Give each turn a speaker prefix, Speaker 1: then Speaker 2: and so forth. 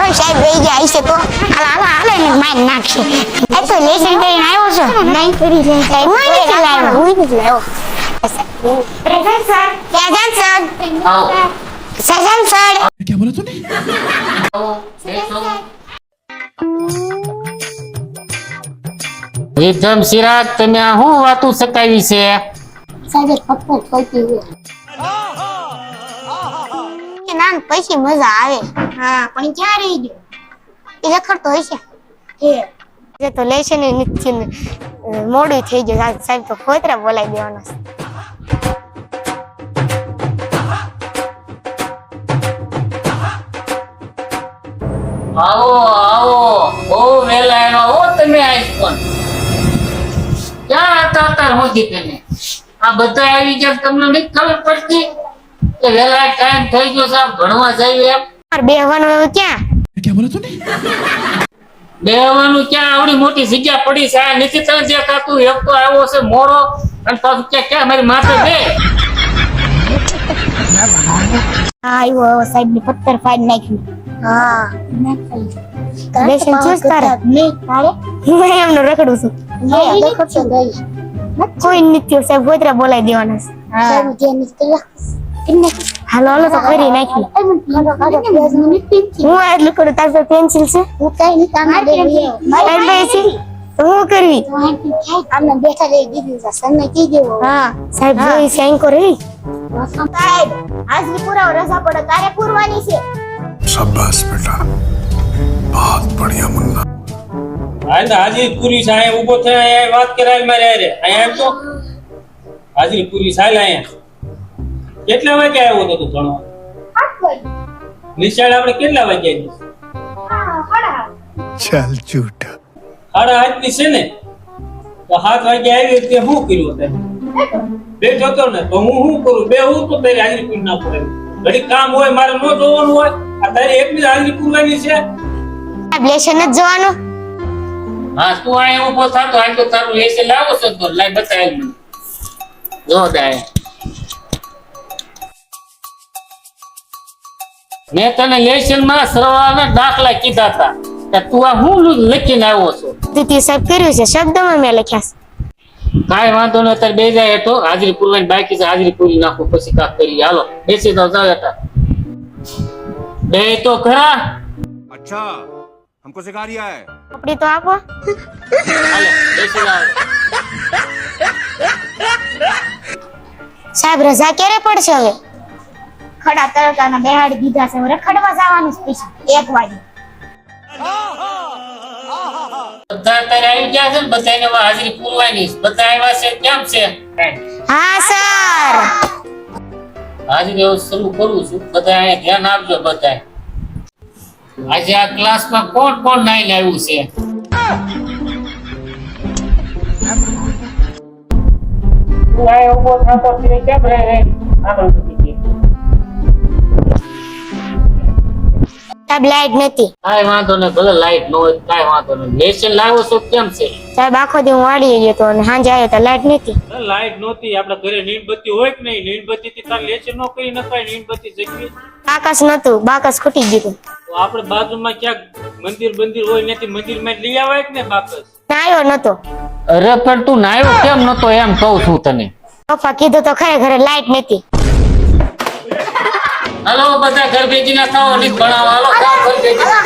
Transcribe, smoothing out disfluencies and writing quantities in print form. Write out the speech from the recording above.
Speaker 1: સાહેબ રહી ગયા હશે તો હાલે ને માર નાખશે. એ તો લેસન કરીને આવ્યો છો? નહીં કરી લે. એમાં નથી લાવ્યો. હું નથી લાવ્યો. Present sir. Present sir. Sajan sir.
Speaker 2: क्या बोला तूने?
Speaker 3: વિક્રમ સિરાજ, તમે આ શું વાતું સકાવી છે?
Speaker 1: સાહેબ પપ્પા ખોટી હોય. કે ના પછી મજા આવે. હા પણ ક્યાં રહી ગયો? એ રખડતો હશે. એ તો લેશે ને નિશ્ચિત મોડું થઈ ગયું. સાહેબ તો ખોતરા બોલાવી દેવાના છે.
Speaker 3: આવો આવો, બહુ વહેલા આવ્યા હો તમે. આજ પણ ક્યાં હતા અત્યાર સુધી તમે? આ બધા આવી ગયા, તમને નથી ખબર પડતી કે વહેલા ટાઈમ થઈ ગયો સાહેબ ભણવા જાય એમ?
Speaker 1: બેહવાનું એવું ક્યાં?
Speaker 2: क्या बोला तूने?
Speaker 3: બેહવાનું ક્યાં? આવડી મોટી જગ્યા પડી છે. આ નથી તને દેખાતું? એક તો આવ્યો છે મોડો અને પાછું ક્યાં મારી માથે બે.
Speaker 1: હા આવ્યો સાહેબ ને પથ્થર ફાડી નાખ્યું. હા લેશન ચૂસ તારે નહીં તારે હું એમનો રખડું છું. કોઈ નથી સાહેબ ગોતરા બોલાવી દેવાના છે. હાલો હાલો તો કરી નાખી. હું એટલું કરું. તાર પાસે પેન્સિલ છે? હું કઈ નહીં. હું કરવી આમને બેઠા રહી દીધી છે. સર કી દેવો. હા સાહેબ જોઈ છે એન્કો રહી. સાહેબ આજની પુરાવો રજા પડે તારે પૂરવાની છે.
Speaker 2: शाबाश बेटा, बहुत बढ़िया मुन्ना.
Speaker 4: હાજરી પૂરી છે. અહીંયા ઊભો થયા અહીંયા વાત કરાય મારે રે. અહીંયા એમ તો હાજરી પૂરી સાલ. અહીંયા કેટલા વાગે આવ્યો હતો તું ભણવા?
Speaker 1: 8 વાગે.
Speaker 4: નિશાળ આપણે કેટલા વાગે આવી?
Speaker 2: चल झूठा.
Speaker 4: 8:30 ની છે ને? તો 7 વાગે આવી તે શું કર્યું તે? બેઠો તો ને તો હું શું કરું? બે હું તો તારી હાજરી પૂરી ના પડે. ઘડી કામ હોય મારે ન જોવાનું હોય. આ તારી એકની હાજરી પૂરવાની છે.
Speaker 1: લેશન જ જોવાનું.
Speaker 3: હા તું અહીંયા ઊભો થતો હાલ તો તારું લેસન લાવો છો તો લાઈ બતાવી મને. જો દાય મેં તને લેસન માં સરવાળાના દાખલા કીધા હતા કે તું આ હું લખીને આવ્યો છો?
Speaker 1: દીદી સાહેબ કર્યું છે શબ્દમાં મેં લખ્યા છે.
Speaker 3: કાંઈ વાંધો નહીં. અત્યારે બે જાય તો હાજરી પૂરવાની બાકી છે. હાજરી પૂરી નાખો પછી કાક કરી. હાલો બેસી તો જાવ હતા બે તો ખરા.
Speaker 5: अच्छा हमको सिखा रिया है.
Speaker 1: કપડી તો આપો.
Speaker 3: હાલો બેસી જાવ.
Speaker 1: સાહેબ રજા ક્યારે પડશે હવે? ખડા તડકાના બેહાડી દીધા છે. રખડવા જવાનું છે પછી 1 વાગે.
Speaker 3: બધા અત્યારે આવી ગયા છે ને? બધાને હવે હાજરી પૂરવાની છે. બધા આવ્યા છે કેમ છે?
Speaker 1: હા સર.
Speaker 3: હાજરી હવે શરૂ કરું છું. બધા અહીંયા ધ્યાન આપજો. બધા આજે આ ક્લાસમાં કોણ કોણ નાઈને આવ્યું છે? તું આ ઉભો થતો ફીરે કેમ રહે? આગળ વધી ગઈ.
Speaker 1: સાહેબ લાઈટ નથી.
Speaker 3: કાંઈ વાંધો નહીં. ભલે લાઈટ ન હોય કાંઈ વાંધો નહીં. લેસન લાવ્યો છો કેમ છે?
Speaker 1: સાહેબ આખો દી હું વાડી ગયો તો અને સાંજે આવ્યો તો લાઈટ નથી.
Speaker 4: લાઈટ નહોતી. આપણે ઘરે નીણબત્તી હોય કે નહીં? નીણબત્તી થી તાર લેચર ન કરી નખાય. નીણબત્તી જગવી.
Speaker 1: બાકસ નતું. બાકસ ખૂટી ગયું.
Speaker 4: તો આપણે બાજુમાં ક્યાંક મંદિર હોય નથી મંદિરમાં લઈ આવાય કે ને બાપસ?
Speaker 1: ના આવ્યો નતો.
Speaker 3: અરે પણ તું નાયો કેમ નતો એમ કહું છું તને.
Speaker 1: પપ્પા કીધું તો ખરે ઘરે લાઈટ નથી.
Speaker 3: હાલો બધા ઘર ભેગી ના થાઓ. નહીં ભણાવો. હાલો ઘર ભેગી.